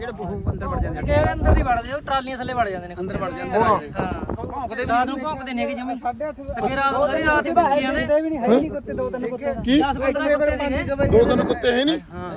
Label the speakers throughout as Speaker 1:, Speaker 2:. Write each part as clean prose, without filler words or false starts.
Speaker 1: ਜਿਹੜੇ ਬਹੁਤ ਅੰਦਰ ਵੜ ਜਾਂਦੇ
Speaker 2: ਕਿ ਅੰਦਰ ਨਹੀਂ ਵੜਦੇ, ਉਹ ਟਰਾਲੀਆਂ ਥੱਲੇ ਵੜ ਜਾਂਦੇ ਨੇ,
Speaker 1: ਅੰਦਰ ਵੜ ਜਾਂਦੇ
Speaker 2: ਹਾਂ
Speaker 1: ਭੌਂਕਦੇ
Speaker 2: ਰਾਤ ਨੂੰ ਭੌਂਕਦੇ ਨੇ ਕਿ ਜਮੀ ਅੱਗੇ ਰਾਤ ਨੂੰ ਸਾਰੀ ਰਾਤ ਹੀ ਭੌਂਕੀ ਜਾਂਦੇ
Speaker 3: ਵੀ ਨਹੀਂ ਹੈ ਨਹੀਂ ਕੁੱਤੇ ਦੋ ਤਿੰਨ ਕੁੱਤੇ
Speaker 4: ਕੀ
Speaker 2: 10-15 ਕੁੱਤੇ ਸੀਗੇ।
Speaker 4: ਦੋ ਤਿੰਨ ਕੁੱਤੇ ਹੈ ਨਹੀਂ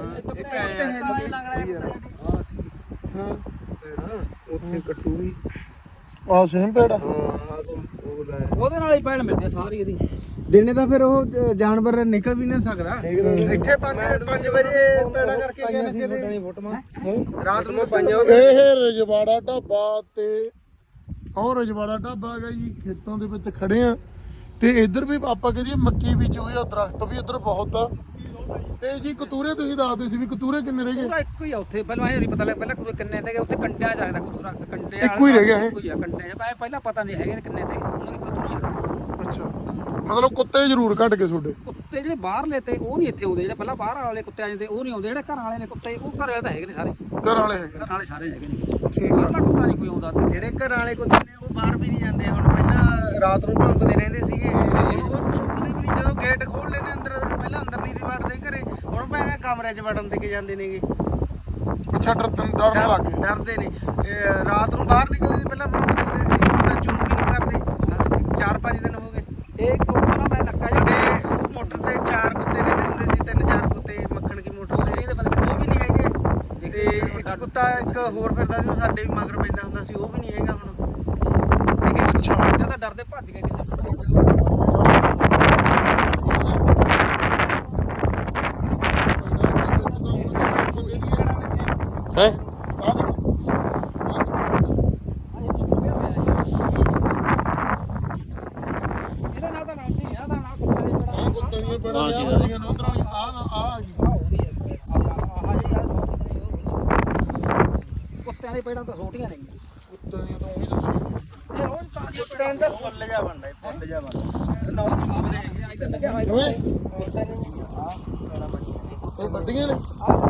Speaker 3: ਉੱਥੇ ਕੱਟੂ ਵੀ
Speaker 4: ਆ ਸੇਮ ਪੇੜਾ
Speaker 1: ਉਹਦੇ ਨਾਲ ਹੀ ਪੈਣ ਮਿਲਦੀ ਆ ਸਾਰੀ ਇਹਦੀ।
Speaker 3: ਦਿਨੇ ਤਾਂ ਫਿਰ ਉਹ ਜਾਨਵਰ ਨਿਕਲ ਵੀ ਨਾ ਸਕਦਾ ਇੱਥੇ 5 ਵਜੇ ਪੈੜਾ ਕਰਕੇ ਗਏ ਨੇ ਕਿਤੇ ਰਾਤ ਨੂੰ 5
Speaker 4: ਇਹ ਰਜਵਾੜਾ ਢਾਬਾ ਤੇ ਉਹ ਰਜਵਾੜਾ ਢਾਬਾ ਹੈਗਾ ਜੀ, ਖੇਤਾਂ ਦੇ ਵਿੱਚ ਖੜੇ ਆ ਤੇ ਇੱਧਰ ਵੀ ਆਪਾਂ ਕਹਦੇ ਮੱਕੀ ਬੀਜੀ ਹੋਈ ਆ, ਦਰਖਤ ਵੀ ਇੱਧਰ ਬਹੁਤ ਆ। ਤੇ ਜੀ ਕਤੂਰੇ ਤੁਸੀਂ ਦੱਸਦੇ ਸੀ ਵੀ ਕਤੂਰੇ ਕਿੰਨੇ ਰਹਿ ਗਏ?
Speaker 1: ਉਹਦਾ ਇੱਕੋ ਹੀ ਆ ਉੱਥੇ, ਪਹਿਲਾਂ ਇਹ ਨਹੀਂ ਪਤਾ ਲੱਗ ਪਹਿਲਾਂ ਕਿੰਨੇ ਤੇ ਉੱਥੇ ਕੰਡਿਆਂ ਚਾਹੀਦਾ ਕਤੂਰਾ ਕੰਡੇ
Speaker 4: ਇੱਕੋ ਹੀ ਰਹਿ ਗਿਆ ਇਹ?
Speaker 1: ਇੱਕੋ ਹੀ ਆ ਕੰਡੇ ਚ, ਪਹਿਲਾਂ ਪਤਾ ਨਹੀਂ ਹੈਗੇ ਕਿੰਨੇ ਤੇ ਉਹਨਾਂ ਦੀ ਕਤੂਰੀ ਆ।
Speaker 4: ਅੱਛਾ, ਮਤਲਬ ਕੁੱਤੇ ਜ਼ਰੂਰ ਘਟ ਗਏ ਤੁਹਾਡੇ?
Speaker 1: ਕੁੱਤੇ ਜਿਹੜੇ ਬਾਹਰਲੇ ਤੇ ਉਹ ਨਹੀਂ ਇੱਥੇ ਆਉਂਦੇ, ਜਿਹੜੇ ਪਹਿਲਾਂ ਬਾਹਰ ਵਾਲੇ ਕੁੱਤੇ ਆ ਜਾਂਦੇ ਉਹ ਨਹੀਂ ਆਉਂਦੇ, ਜਿਹੜੇ ਘਰ ਵਾਲੇ ਨੇ ਕੁੱਤੇ ਉਹ ਘਰ ਵਾਲੇ ਤਾਂ ਹੈਗੇ ਨੇ ਸਾਰੇ,
Speaker 4: ਘਰ ਵਾਲੇ ਹੈਗੇ?
Speaker 1: ਘਰ ਵਾਲੇ ਸਾਰੇ ਹੈਗੇ ਨੇ,
Speaker 4: ਠੀਕ ਆ।
Speaker 1: ਬਾਹਰਲਾ ਕੁੱਤਾ ਨਹੀਂ ਕੋਈ ਆਉਂਦਾ ਤੇ
Speaker 3: ਜਿਹੜੇ ਘਰ ਵਾਲੇ ਕੁੱਤੇ ਨੇ ਉਹ ਬਾਹਰ ਵੀ ਨਹੀਂ ਜਾਂਦੇ ਹੁਣ, ਪਹਿਲਾਂ ਰਾਤ ਨੂੰ ਭੌਂਕਦੇ ਰਹਿੰਦੇ ਸੀਗੇ, ਉਹ ਚੁੱਕਦੇ ਵੀ ਨਹੀਂ ਜਦੋਂ ਗੇਟ ਖੋਲ ਲੈਣੇ ਅੰਦਰ, ਪਹਿਲਾਂ ਅੰਦਰ ਨਹੀਂ ਦੀ ਵੜਦੇ ਘਰੇ, ਹੁਣ ਪਹਿਲਾਂ ਕਮਰੇ 'ਚ ਵੜਨ ਦੇ ਕੇ ਜਾਂਦੇ ਨੇਗੇ।
Speaker 4: ਅੱਛਾ, ਡਰਨ ਲੱਗ ਗਏ?
Speaker 3: ਡਰਦੇ ਨੇ ਰਾਤ ਨੂੰ ਬਾਹਰ ਨਿਕਲਦੇ ਸੀ ਪਹਿਲਾਂ ਭੌਂਕਦੇ ਹੁੰਦੇ ਸੀ, ਹੁਣ ਤਾਂ ਚੁੰਮ ਵੀ ਨਹੀਂ ਕਰਦੇ। 4-5 ਦਿਨ ਹੋ ਗਏ
Speaker 1: ਇਹ ਕੁੱਤਾ ਨਾ ਮੈਂ ਨੱਕਾ
Speaker 3: ਜਿਹੜੇ ਉਹ ਮੋਟਰ ਤੇ 4 ਕੁੱਤੇ ਰਹਿੰਦੇ ਹੁੰਦੇ ਸੀ, 3-4 ਕੁੱਤੇ ਮੱਖਣ ਕੀ ਮੋਟਰ ਤੇ, ਉਹ ਵੀ ਨਹੀਂ ਹੈਗੇ। ਤੇ ਇੱਕ ਕੁੱਤਾ ਇੱਕ ਹੋਰ ਫਿਰਦਾ ਸੀ, ਉਹ ਸਾਡੇ ਵੀ ਮਗਰ ਪੈਂਦਾ ਹੁੰਦਾ ਸੀ, ਉਹ ਵੀ ਨਹੀਂ ਹੈਗਾ ਹੁਣ।
Speaker 1: ਅੱਛਾ ਜਾਂ ਤਾਂ ਡਰਦੇ ਭੱਜ ਗਏ ਕਿਸੇ ਪਿੱਛੇ
Speaker 4: ਹੈ
Speaker 1: ਇਹਦਾ ਨਾਲ ਤਾਂ ਨਾਲ ਹੀ ਆ, ਦਾ ਨਾਲ ਕੁੱਤੇ ਦੇ
Speaker 4: ਆ ਕੁੱਤੇ ਦੀਆਂ ਪੇੜਾਂ ਆ ਗਈਆਂ ਨੇ ਉਧਰੋਂ ਆ ਗਈ
Speaker 1: ਕੁੱਤਿਆਂ ਦੇ ਪੇੜਾਂ ਤਾਂ ਛੋਟੀਆਂ ਨੇ।
Speaker 4: ਕੁੱਤੇ ਦੀਆਂ ਤਾਂ ਉਹੀ ਦੱਸੀ
Speaker 1: ਇਹ ਰੋਜ਼ ਤਾਂ
Speaker 3: ਕੁੱਤੇ ਅੰਦਰ ਫੁੱਲ ਜਾ ਬਣਦਾ, ਫੁੱਲ ਜਾ ਬਣਦਾ। ਨੌ
Speaker 1: ਇੱਧਰ ਲੱਗਿਆ ਹੋਇਆ
Speaker 4: ਓਏ ਇਹ ਵੱਡੀਆਂ ਨੇ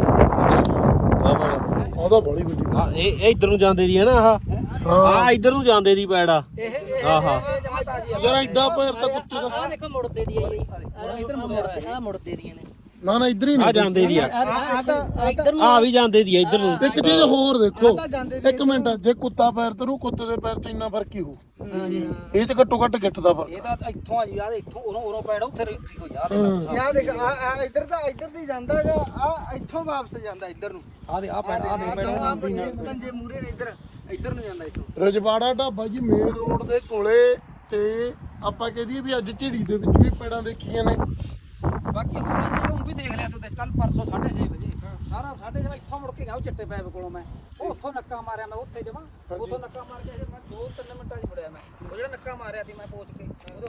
Speaker 4: ਉਹਦਾ ਬੜੀ ਵੱਡੀ
Speaker 5: ਹਾਂ ਇਹ ਇੱਧਰ ਨੂੰ ਜਾਂਦੇ ਦੀ ਹੈ ਨਾ ਆਹ ਆ ਇੱਧਰ ਨੂੰ ਜਾਂਦੇ ਦੀ ਪੈੜਾ ਆਹਾ
Speaker 4: ਯਾਰ ਐਡਾ ਪੈਰ ਤਾਂ ਕੁੱਤੇ ਦਾ।
Speaker 2: ਆਹ ਦੇਖੋ ਮੁੜਦੇ ਦੀ ਆਈ ਇੱਧਰ ਮੁੜਦੇ ਆ, ਮੁੜਦੇ ਦੀਆਂ ਨੇ
Speaker 4: ਨਾ ਨਾ ਇੱਧਰ ਹੀ
Speaker 5: ਆ
Speaker 4: ਨਹੀਂ
Speaker 5: ਜਾਂਦੇ ਦੀ ਆ
Speaker 2: ਇੱਧਰ
Speaker 5: ਆ ਵੀ ਜਾਂਦੇ ਦੀ ਆ ਇੱਧਰ ਨੂੰ।
Speaker 4: ਇੱਕ ਚੀਜ਼ ਹੋਰ ਦੇਖੋ, ਇੱਕ ਮਿੰਟ, ਜੇ ਕੁੱਤਾ ਪੈਰ ਤਰੂ ਕੁੱਤੇ ਦੇ ਪੈਰ 'ਚ ਇੰਨਾ ਫਰਕ ਹੀ ਹੋ, ਇਹ 'ਚ ਘੱਟੋ ਘੱਟ ਗਿੱਠ ਦਾ ਫਰਕ।
Speaker 1: ਇਹ ਤਾਂ ਇੱਥੋਂ ਆ ਜੀ ਯਾਰ, ਇੱਥੋਂ ਉਰੋਂ ਪੈੜਾ ਉੱਥੇ ਹੋ ਜਾ
Speaker 3: ਯਾ ਦੇਖ ਆ ਇੱਧਰ ਤਾਂ ਇੱਧਰ ਦੀ ਜਾਂਦਾ ਹੈਗਾ, ਆ ਇੱਥੋਂ ਵਾਪਸ ਜਾਂਦਾ ਇੱਧਰ ਨੂੰ।
Speaker 1: ਆ ਦੇ ਆ ਪੈੜਾ ਆ ਦੇ ਪੈੜਾ
Speaker 3: ਪੰਜੇ ਮੂਰੇ ਨੇ ਇੱਧਰ ਨੂੰ ਜਾਂਦਾ ਇੱਥੋਂ।
Speaker 4: ਰਜਵਾੜਾ ਢਾਬਾ ਜੀ ਮੇਨ ਰੋਡ ਦੇ ਕੋਲੇ, ਤੇ ਆਪਾਂ ਕਹਦੀਏ ਵੀ ਅੱਜ ਝਿੜੀ ਦੇ ਵਿੱਚ ਵੀ ਪੈੜਾਂ ਦੇਖੀਆਂ ਨੇ।
Speaker 1: ਬਾਕੀ ਹੁਣ ਵੀ ਦੇਖ ਲਿਆ ਤੂੰ ਤੇ ਕੱਲ ਪਰਸੋਂ 6:30 ਵਜੇ ਸਾਰਾ 6:30 ਇੱਥੋਂ ਮੁੜ ਕੇ ਗਿਆ ਉਹ ਚਿੱਟੇ ਪੈਪ ਕੋਲੋਂ, ਮੈਂ ਉਹ ਉੱਥੋਂ ਨੱਕਾ ਮਾਰਿਆ, ਮੈਂ ਉੱਥੇ ਜਮਾ ਉੱਥੋਂ ਨੱਕਾ ਮਾਰ ਕੇ ਮੈਂ 2-3 ਮਿੰਟਾਂ 'ਚ ਮੁੜਿਆ, ਮੈਂ ਉਹ ਜਿਹੜਾ ਨੱਕਾ ਮਾਰਿਆ ਸੀ ਮੈਂ ਪਹੁੰਚ ਕੇ